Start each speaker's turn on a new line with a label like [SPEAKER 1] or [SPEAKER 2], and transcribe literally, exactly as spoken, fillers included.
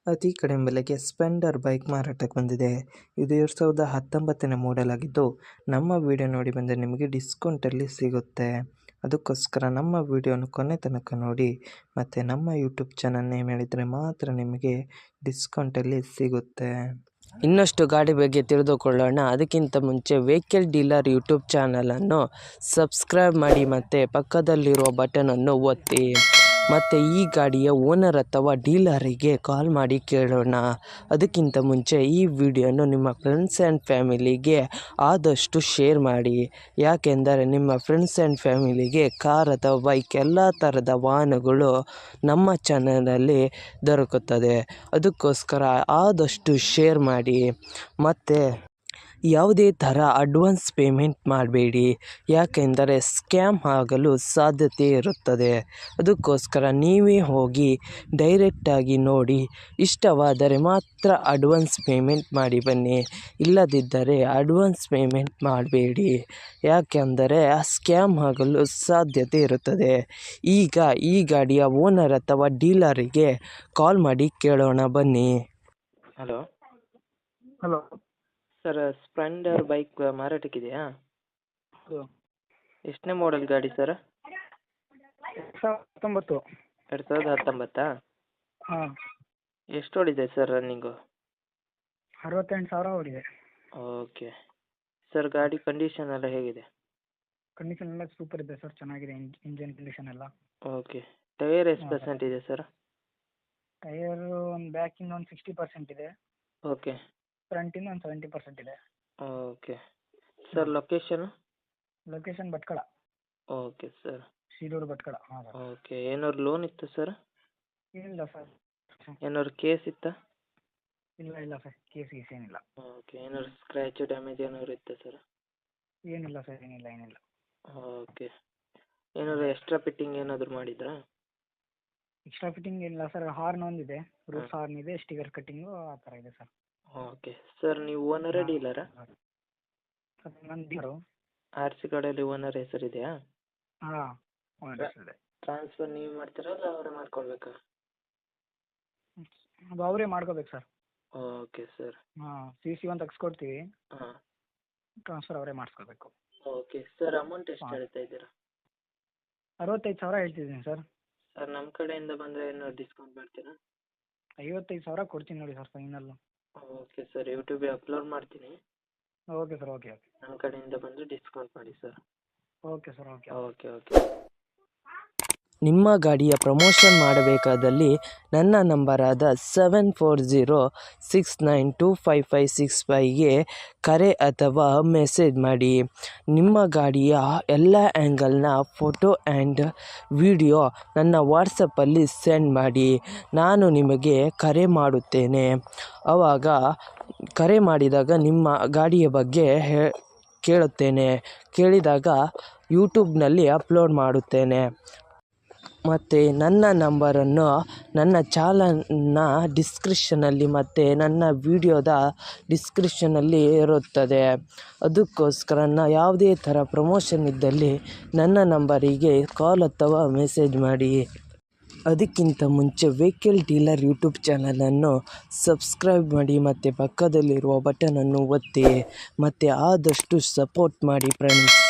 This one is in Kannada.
[SPEAKER 1] ಅತಿ ಕಡಿಮೆ ಬೆಲೆಗೆ ಸ್ಪೆಂಡರ್ ಬೈಕ್ ಮಾರಾಟಕ್ಕೆ ಬಂದಿದೆ. ಇದು ಎರಡು ಸಾವಿರದ ಹತ್ತೊಂಬತ್ತನೇ ಮಾಡೆಲ್ ಆಗಿದ್ದು, ನಮ್ಮ ವಿಡಿಯೋ ನೋಡಿ ಬಂದರೆ ನಿಮಗೆ ಡಿಸ್ಕೌಂಟಲ್ಲಿ ಸಿಗುತ್ತೆ. ಅದಕ್ಕೋಸ್ಕರ ನಮ್ಮ ವಿಡಿಯೋನ ಕೊನೆ ತನಕ ನೋಡಿ ಮತ್ತು ನಮ್ಮ ಯೂಟ್ಯೂಬ್ ಚಾನಲ್ ನೇಮ್ ಹೇಳಿದರೆ ಮಾತ್ರ ನಿಮಗೆ ಡಿಸ್ಕೌಂಟಲ್ಲಿ ಸಿಗುತ್ತೆ. ಇನ್ನಷ್ಟು ಗಾಡಿ ಬಗ್ಗೆ ತಿಳಿದುಕೊಳ್ಳೋಣ. ಅದಕ್ಕಿಂತ ಮುಂಚೆ ವೆಹಿಕಲ್ ಡೀಲರ್ ಯೂಟ್ಯೂಬ್ ಚಾನಲನ್ನು ಸಬ್ಸ್ಕ್ರೈಬ್ ಮಾಡಿ ಮತ್ತು ಪಕ್ಕದಲ್ಲಿರುವ ಬಟನನ್ನು ಒತ್ತಿ. ಮತ್ತು ಈ ಗಾಡಿಯ ಓನರ್ ಅಥವಾ ಡೀಲರಿಗೆ ಕಾಲ್ ಮಾಡಿ ಕೇಳೋಣ. ಅದಕ್ಕಿಂತ ಮುಂಚೆ ಈ ವಿಡಿಯೋನು ನಿಮ್ಮ ಫ್ರೆಂಡ್ಸ್ ಆ್ಯಂಡ್ ಫ್ಯಾಮಿಲಿಗೆ ಆದಷ್ಟು ಶೇರ್ ಮಾಡಿ. ಯಾಕೆಂದರೆ ನಿಮ್ಮ ಫ್ರೆಂಡ್ಸ್ ಆ್ಯಂಡ್ ಫ್ಯಾಮಿಲಿಗೆ ಕಾರ್ ಅಥವಾ ಬೈಕ್ ಎಲ್ಲ ಥರದ ವಾಹನಗಳು ನಮ್ಮ ಚಾನಲಲ್ಲಿ ದೊರಕುತ್ತದೆ. ಅದಕ್ಕೋಸ್ಕರ ಆದಷ್ಟು ಶೇರ್ ಮಾಡಿ. ಮತ್ತು ಯಾವುದೇ ಥರ ಅಡ್ವಾನ್ಸ್ ಪೇಮೆಂಟ್ ಮಾಡಬೇಡಿ, ಯಾಕೆಂದರೆ ಸ್ಕ್ಯಾಮ್ ಆಗಲು ಸಾಧ್ಯತೆ ಇರುತ್ತದೆ. ಅದಕ್ಕೋಸ್ಕರ ನೀವೇ ಹೋಗಿ ಡೈರೆಕ್ಟಾಗಿ ನೋಡಿ, ಇಷ್ಟವಾದರೆ ಮಾತ್ರ ಅಡ್ವಾನ್ಸ್ ಪೇಮೆಂಟ್ ಮಾಡಿ ಬನ್ನಿ. ಇಲ್ಲದಿದ್ದರೆ ಅಡ್ವಾನ್ಸ್ ಪೇಮೆಂಟ್ ಮಾಡಬೇಡಿ, ಯಾಕೆಂದರೆ ಸ್ಕ್ಯಾಮ್ ಆಗಲು ಸಾಧ್ಯತೆ ಇರುತ್ತದೆ. ಈಗ ಈ ಗಾಡಿಯ ಓನರ್ ಅಥವಾ ಡೀಲರಿಗೆ ಕಾಲ್ ಮಾಡಿ ಕೇಳೋಣ ಬನ್ನಿ. Hello
[SPEAKER 2] hello
[SPEAKER 1] sir, Splendor bike ಮಾರಾಟಕ್ಕಿದೆಯಾ?
[SPEAKER 2] ಹೌದು.
[SPEAKER 1] ಎಷ್ಟನೇ ಮಾಡೆಲ್ ಗಾಡಿ ಸರ್?
[SPEAKER 2] ಎರಡು ಸಾವಿರದ ಹತ್ತೊಂಬತ್ತು.
[SPEAKER 1] ಎರಡು ಸಾವಿರದ ಹತ್ತೊಂಬತ್ತಾ?
[SPEAKER 2] ಹಾಂ,
[SPEAKER 1] ಎಷ್ಟು ಓಡಿದೆ ಸರ್ ರನ್ನಿಂಗು?
[SPEAKER 2] ಅರವತ್ತೆಂಟು ಸಾವಿರ ಓಡಿದೆ.
[SPEAKER 1] ಓಕೆ ಸರ್, ಗಾಡಿ ಕಂಡೀಷನ್ ಎಲ್ಲ ಹೇಗಿದೆ?
[SPEAKER 2] ಕಂಡೀಷನ್ ಎಲ್ಲ ಸೂಪರ್ ಇದೆ ಸರ್, ಚೆನ್ನಾಗಿದೆ. ಇಂಜಿನ್ ಕಂಡೀಷನ್ ಎಲ್ಲ
[SPEAKER 1] ಓಕೆ. ಟೈರ್ ಎಷ್ಟು
[SPEAKER 2] ಹಾಂ.
[SPEAKER 1] ಪರ್ಸೆಂಟ್ ಇದೆ ಸರ್?
[SPEAKER 2] ಟೈರು ಒಂದು ಬ್ಯಾಕಿಂದ ಒಂದು ಸಿಕ್ಸ್ಟಿ ಪರ್ಸೆಂಟ್ ಇದೆ,
[SPEAKER 1] ಓಕೆ
[SPEAKER 2] ಫ್ರಂಟಿಂದ ಒಂದು ಸೆವೆಂಟಿ ಪರ್ಸೆಂಟ್ ಇದೆ.
[SPEAKER 1] Okay sir, location?
[SPEAKER 2] Location Bhatkal,
[SPEAKER 1] okay sir.
[SPEAKER 2] ಸೀಡೂರು ಭಟ್ಕಳ. ಹಾಂ ಸರ್.
[SPEAKER 1] ಓಕೆ, ಏನಾದ್ರು ಲೋನ್ ಇತ್ತು ಸರ್?
[SPEAKER 2] ಏನಿಲ್ಲ ಸರ್.
[SPEAKER 1] ಏನಾದ್ರು ಕೇಸ್ ಇತ್ತಾ?
[SPEAKER 2] ಇಲ್ಲ ಇಲ್ಲ ಸರ್, ಕೇಸ್ ಗೀಸ್ ಏನಿಲ್ಲ.
[SPEAKER 1] ಓಕೆ, ಏನಾದ್ರು ಸ್ಕ್ರ್ಯಾಚು ಡ್ಯಾಮೇಜ್ ಏನಾದ್ರು ಇತ್ತಾ ಸರ್?
[SPEAKER 2] ಏನಿಲ್ಲ ಸರ್, ಏನಿಲ್ಲ ಏನಿಲ್ಲ.
[SPEAKER 1] ಓಕೆ, ಏನಾದ್ರು ಎಕ್ಸ್ಟ್ರಾ ಫಿಟ್ಟಿಂಗ್ ಏನಾದರೂ ಮಾಡಿದ್ರಾ?
[SPEAKER 2] ಎಕ್ಸ್ಟ್ರಾ ಫಿಟ್ಟಿಂಗ್ ಇಲ್ಲ ಸರ್, ಹಾರ್ನ್ ಒಂದಿದೆ, ರೂಫ್ ಹಾರ್ನ್ ಇದೆ, ಸ್ಟಿಕರ್ ಕಟ್ಟಿಂಗು ಆ ಥರ ಇದೆ ಸರ್.
[SPEAKER 1] ಓಕೆ ಸರ್, ನೀವು ಓನರೇ ಡೀಲರಾ?
[SPEAKER 2] ಸರ್ ನನ್ನ ಡೀಲರು.
[SPEAKER 1] ಆರ್ ಸಿ ಕಾರ್ಡಲ್ಲಿ ಓನರ್ ಹೆಸರಿದೆಯಾ?
[SPEAKER 2] ಹಾಂ, ಓನರ್ ಇದೆ.
[SPEAKER 1] ಟ್ರಾನ್ಸ್ಫರ್ ನೀವು ಮಾಡ್ತೀರಾ ಅಲ್ಲ ಅವರೇ ಮಾಡ್ಕೊಳ್ಬೇಕಾ?
[SPEAKER 2] ಅದು ಅವರೇ ಮಾಡ್ಕೋಬೇಕು ಸರ್.
[SPEAKER 1] Okay sir.
[SPEAKER 2] ಹಾಂ, ಸಿ ಸಿ ಒಂದು ತೆಗ್ಸ್ಕೊಡ್ತೀವಿ,
[SPEAKER 1] ಹಾಂ.
[SPEAKER 2] ಟ್ರಾನ್ಸ್ಫರ್ ಅವರೇ ಮಾಡಿಸ್ಕೋಬೇಕು.
[SPEAKER 1] ಓಕೆ ಸರ್, ಅಮೌಂಟ್ ಎಷ್ಟು
[SPEAKER 2] ಹಾಂ.
[SPEAKER 1] ಹೇಳ್ತಾ ಇದ್ದೀರಾ?
[SPEAKER 2] ಅರವತ್ತೈದು ಸಾವಿರ ಹೇಳ್ತಿದ್ದೀನಿ ಸರ್.
[SPEAKER 1] ಸರ್, ನಮ್ಮ ಕಡೆಯಿಂದ ಬಂದರೆ ಏನಾದ್ರು ಡಿಸ್ಕೌಂಟ್ ಮಾಡ್ತೀರಾ?
[SPEAKER 2] ಐವತ್ತೈದು ಸಾವಿರ ಕೊಡ್ತೀನಿ ನೋಡಿ ಸರ್, ಫೈನಲ್ಲು.
[SPEAKER 1] ಓಕೆ ಸರ್, ಯೂಟ್ಯೂಬಿಗೆ ಅಪ್ಲೋಡ್ ಮಾಡ್ತೀನಿ.
[SPEAKER 2] Okay sir, okay okay.
[SPEAKER 1] ನಮ್ಮ ಕಡೆಯಿಂದ ಬಂದರೆ ಡಿಸ್ಕೌಂಟ್ ಮಾಡಿ sir.
[SPEAKER 2] Okay sir, okay.
[SPEAKER 1] Okay okay. ನಿಮ್ಮ ಗಾಡಿಯ ಪ್ರಮೋಷನ್ ಮಾಡಬೇಕಾದಲ್ಲಿ ನನ್ನ ನಂಬರಾದ seven four zero six nine two five five six ಫೈವ್ಗೆ ಕರೆ ಅಥವಾ ಮೆಸೇಜ್ ಮಾಡಿ. ನಿಮ್ಮ ಗಾಡಿಯ ಎಲ್ಲ ಆ್ಯಂಗಲ್ನ ಫೋಟೋ ಆ್ಯಂಡ್ ವಿಡಿಯೋ ನನ್ನ ವಾಟ್ಸಪ್ಪಲ್ಲಿ ಸೆಂಡ್ ಮಾಡಿ. ನಾನು ನಿಮಗೆ ಕರೆ ಮಾಡುತ್ತೇನೆ. ಆವಾಗ ಕರೆ ಮಾಡಿದಾಗ ನಿಮ್ಮ ಗಾಡಿಯ ಬಗ್ಗೆ ಹೇ ಕೇಳುತ್ತೇನೆ. ಕೇಳಿದಾಗ ಯೂಟ್ಯೂಬ್ನಲ್ಲಿ ಅಪ್ಲೋಡ್ ಮಾಡುತ್ತೇನೆ. ಮತ್ತು ನನ್ನ ನಂಬರನ್ನು ನನ್ನ ಚಾನಲ್ನ ಡಿಸ್ಕ್ರಿಪ್ಷನಲ್ಲಿ ಮತ್ತು ನನ್ನ ವಿಡಿಯೋದ ಡಿಸ್ಕ್ರಿಪ್ಷನಲ್ಲಿ ಇರುತ್ತದೆ. ಅದಕ್ಕೋಸ್ಕರ ನಾ ಯಾವುದೇ ಥರ ಪ್ರಮೋಷನ್ ಇದ್ದಲ್ಲಿ ನನ್ನ ನಂಬರಿಗೆ ಕಾಲ್ ಅಥವಾ ಮೆಸೇಜ್ ಮಾಡಿ. ಅದಕ್ಕಿಂತ ಮುಂಚೆ ವೆಹಿಕಲ್ ಡೀಲರ್ ಯೂಟ್ಯೂಬ್ ಚಾನಲನ್ನು ಸಬ್ಸ್ಕ್ರೈಬ್ ಮಾಡಿ ಮತ್ತು ಪಕ್ಕದಲ್ಲಿರುವ ಬಟನನ್ನು ಒತ್ತಿ ಮತ್ತು ಆದಷ್ಟು ಸಪೋರ್ಟ್ ಮಾಡಿ ಫ್ರೆಂಡ್ಸ್.